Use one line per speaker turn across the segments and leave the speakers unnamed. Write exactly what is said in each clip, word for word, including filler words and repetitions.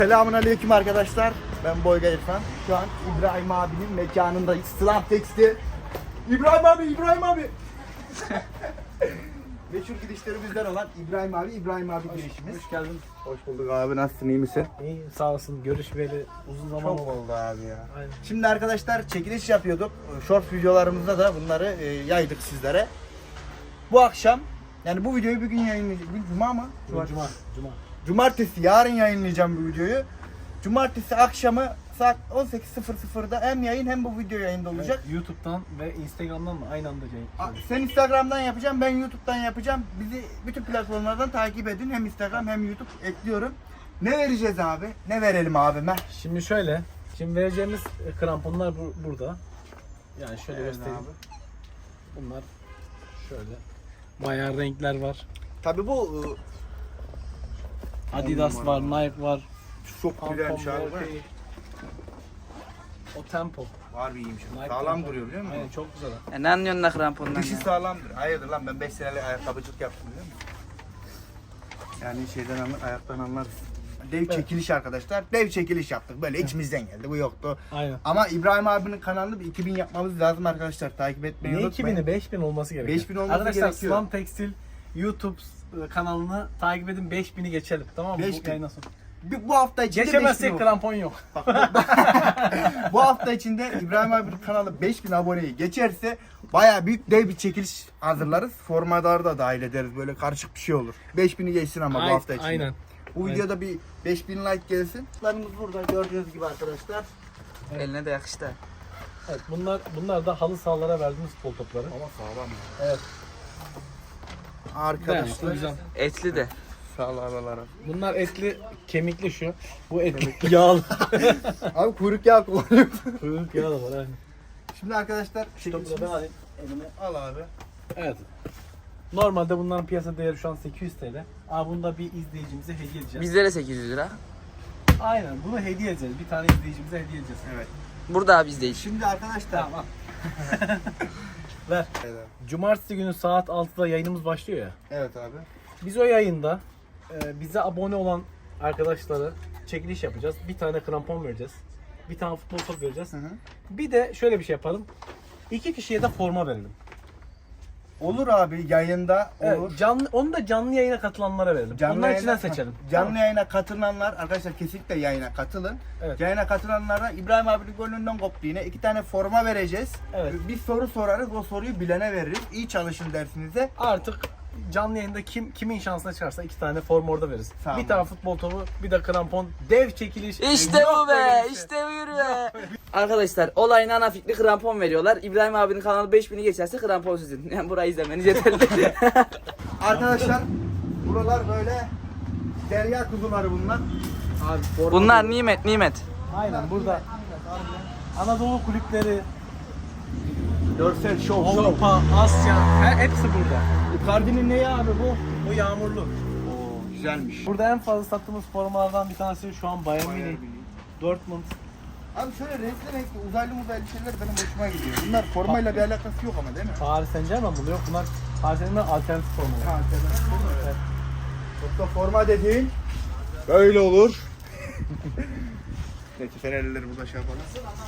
Selamünaleyküm arkadaşlar. Ben Boyga İrfan. Şu an İbrahim abinin mekanındayız. Slam Tekstil. İbrahim abi, İbrahim abi. Meşhur gidişlerimizden olan İbrahim abi, İbrahim abi girişimiz.
Hoş geldin.
Hoş bulduk abi. Nasılsın, iyi misin?
İyi, sağ olsun. Görüşmeyeli uzun zaman
Çok
oldu.
oldu abi ya.
Aynen.
Şimdi arkadaşlar çekiliş yapıyorduk. Short videolarımızda da bunları e, yaydık sizlere. Bu akşam, yani bu videoyu bugün yayınlayacağız. Bugün Cuma mı?
Cuma. Cuma. Cuma.
Cumartesi, yarın yayınlayacağım bu videoyu. Cumartesi akşamı saat on sekiz sıfır sıfırda hem yayın hem bu video yayında olacak.
Evet, YouTube'dan ve Instagram'dan mı aynı anda yayın?
A- Sen Instagram'dan yapacağım, ben YouTube'dan yapacağım. Bizi bütün platformlardan takip edin. Hem Instagram hem YouTube ekliyorum. Ne vereceğiz abi? Ne verelim abime?
Şimdi şöyle. Şimdi vereceğimiz e, kramponlar bu, burada. Yani şöyle
Evet
göstereyim.
abi.
Bunlar şöyle. Bayağı renkler var.
Tabii bu
Adidas
On
var,
numara.
Nike var.
çok
Pantone
güzelmiş abi.
var, şey, O Tempo.
Var bir iyiymiş.
Nike
Sağlam
Tempo.
duruyor biliyor musun?
Aynen, çok güzel.
Ya ne anlıyorsun da krampondan
Dişi
ya?
sağlamdır. Hayırdır lan, ben beş senelik ayakkabıcılık yaptım biliyor musun? Yani şeyden anlar, ayaktan anlarız. Dev
Evet.
çekiliş arkadaşlar. Dev çekiliş yaptık. Böyle içimizden geldi. Bu yoktu.
Aynen.
Ama İbrahim abinin kanalını bir iki bin yapmamız lazım arkadaşlar. Takip etmeyi
Ne
unutmayın.
iki bini? beş bin olması gerekiyor.
beş bin olması
Arkadaşlar,
gerekiyor.
Slam Tekstil YouTube e, kanalını takip edin, beş bini geçelim. Tamam mı?
beş
Bu
bin.
yayından sonra.
Bir- Bu hafta içinde beş bin
Geçemezsek
olsun.
krampon yok.
Bu hafta içinde İbrahim abinin kanalı beş bin aboneyi geçerse bayağı büyük dev bir çekiliş hazırlarız. Formadarı da dahil ederiz. Böyle karışık bir şey olur. beş bini geçsin ama bu
Ay-
hafta içinde.
Aynen.
Bu videoda bir beş bin like gelsin. Larımız burada gördüğünüz gibi arkadaşlar.
Eline de yakıştı.
Evet, bunlar bunlar da halı sahalara verdiğimiz futbol topları.
Ama sağlam ya.
Evet. Dayanıklı,
Arkadaşlar.
güzel.
Etli de.
Sağlamlara.
Bunlar etli, kemikli şu. Bu etli, yağlı.
Abi kuyruk yağı kullanıyor.
Kuyruk yağı da var aynen.
Şimdi arkadaşlar
Şu topu da ben
çekilişimiz.
alayım. Elime.
Al abi.
Evet. Normalde bunların piyasa değeri şu an sekiz yüz TL. Ama bunu da bir izleyicimize hediye edeceğiz.
Bizlere sekiz yüz lira.
Aynen, bunu hediye edeceğiz. Bir tane izleyicimize hediye edeceğiz.
Evet.
Burada abi bizdeyiz.
Şimdi arkadaşlar.
Tamam al. Ver.
Evet.
Cumartesi günü saat altıda yayınımız başlıyor ya.
Evet abi.
Biz o yayında e, bize abone olan arkadaşlara çekiliş yapacağız. Bir tane krampon vereceğiz. Bir tane futbol top vereceğiz.
Hı hı.
Bir de şöyle bir şey yapalım. İki kişiye de forma verelim.
Olur abi, yayında olur.
Evet, canlı, onu da canlı yayına katılanlara verelim. Onların
yayına-
içinden seçelim.
Canlı
Tamam.
yayına katılanlar arkadaşlar kesinlikle yayına katılın.
Evet.
Yayına katılanlara İbrahim abinin gönlünden koptu yine. İki tane forma vereceğiz.
Evet.
Bir soru sorarız, o soruyu bilene veririz. İyi çalışın dersinize.
Artık canlı yayında kim kimin şansına çıkarsa iki tane forma orada veririz.
Tamam.
Bir tane futbol topu, bir de krampon, dev çekiliş.
İşte
Yok
bu
böyle
be,
bir şey.
işte bu yürü be. Arkadaşlar olayın ana fikri krampon veriyorlar. İbrahim abinin kanalı beş bini geçerse krampon sizin. Yani burayı izlemeniz yeterli.
Arkadaşlar buralar böyle derya kuzuları bunlar.
Abi, forma
Bunlar nimet nimet.
Aynen burada Anadolu kulüpleri,
Görsel şov şov.
Avrupa, Asya, her, hepsi burada.
Icardi'nin neyi abi bu?
Bu yağmurlu.
Oo güzelmiş.
Burada en fazla sattığımız formalardan bir tanesi şu an Bayern Münih, Dortmund.
Abi şöyle renkli renkli uzaylı uzaylı şeyler benim hoşuma gidiyor. Bunlar formayla bir alakası yok ama değil mi?
Paris Saint-Germain buluyor. Bunlar Paris Saint-Germain alternatif formalar.
Ha, evet. Yoksa forma dediğin böyle olur. Neyse Fenerlileri burada şey yapalım.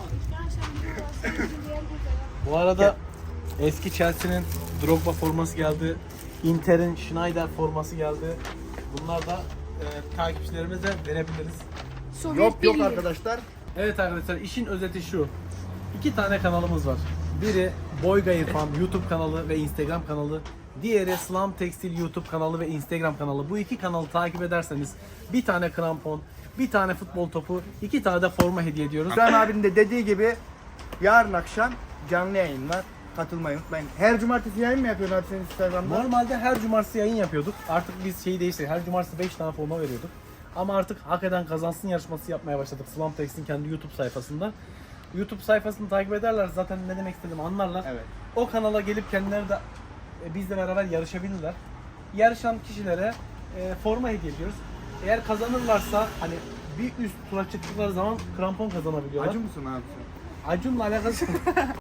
Bu arada eski Chelsea'nin Drogba forması geldi. Inter'in Schneider forması geldi. Bunlar da e, takipçilerimize verebiliriz.
Yok yok arkadaşlar.
Evet arkadaşlar, işin özeti şu. İki tane kanalımız var. Biri Boyga İrfan YouTube kanalı ve Instagram kanalı. Diğeri Slam Tekstil YouTube kanalı ve Instagram kanalı. Bu iki kanalı takip ederseniz bir tane krampon, bir tane futbol topu, iki tane de forma hediye ediyoruz.
İbrahim abinin de dediği gibi yarın akşam canlı yayın var. Katılmayı unutmayın. Her cumartesi yayın mı yapıyorsun abi senin Instagram'da?
Normalde her cumartesi yayın yapıyorduk. Artık biz şeyi değiştirdik. Her cumartesi beş tane forma veriyorduk. Ama artık hak eden kazansın yarışması yapmaya başladık. Slam Text'in kendi YouTube sayfasında. YouTube sayfasını takip ederler, zaten ne demek istediğimi anlarlar.
Evet.
O kanala gelip kendileri de e, bizle beraber yarışabilirler. Yarışan kişilere e, forma hediye ediyoruz. Eğer kazanırlarsa hani bir üst tura çıktıkları zaman krampon kazanabiliyorlar.
Acı mısın abi sen?
Acun'la alakası